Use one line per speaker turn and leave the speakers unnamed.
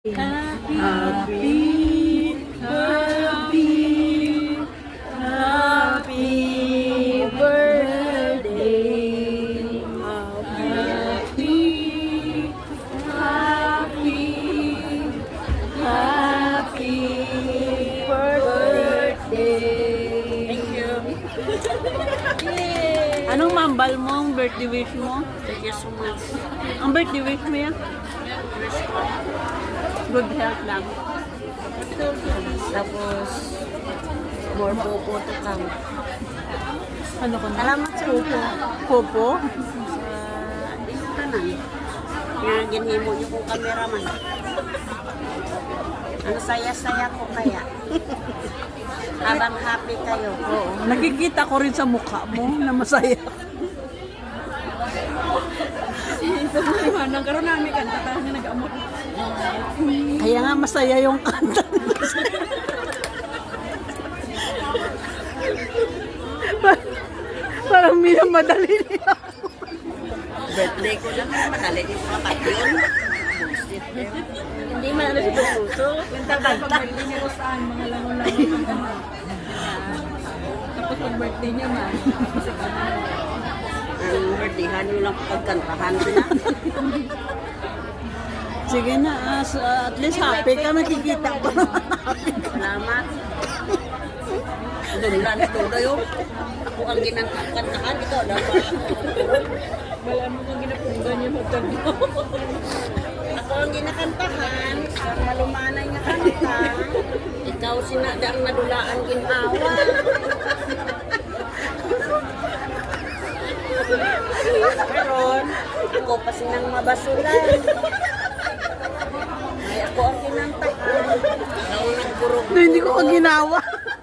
Happy, happy, happy birthday. Happy, happy, happy birthday.
Thank you.
Anong mambal mo ang birthday wish mo?
Thank you so much.
Ang birthday wish mo yan? Good health lang.
Tapos, more popo to come.
Ano ko na?
Salamat sa inyo.
Popo?
Dito ka na. Nga ginhimo niyo kong cameraman. Ang saya-saya ko kaya. Habang happy kayo.
Oo. Nakikita ko rin sa mukha mo na masaya.
Nagkaroon namin kanta tayo na nag-amot.
Kaya nga masaya yung kanta. Parang minamadali niya.
Birthday ko lang. Madali din sa kapatid. Hindi man ano sa puso.
Yung tagal pag birthday niya saan, mga langon-langon ang ano. Tapos pag birthday niya man,
Ang birthdayhan nyo lang pagkantahan sila.
Sige na, at least happy ka. Nakikita ko naman happy ka.
Salamat. Dunlan ito kayo. Ako ang ginangkantahan. Ikaw dapat.
wala mo kang ginapundan niya magkano.
Ako ang ginakantahan. Ang malumanay nga kanta. Ikaw sinadang nadulaan ginawa. Meron. Ako pa sinang mabasulan. Ay ako ang kinantahan. Ikaw ang nagburog.
Hindi ko ginawa.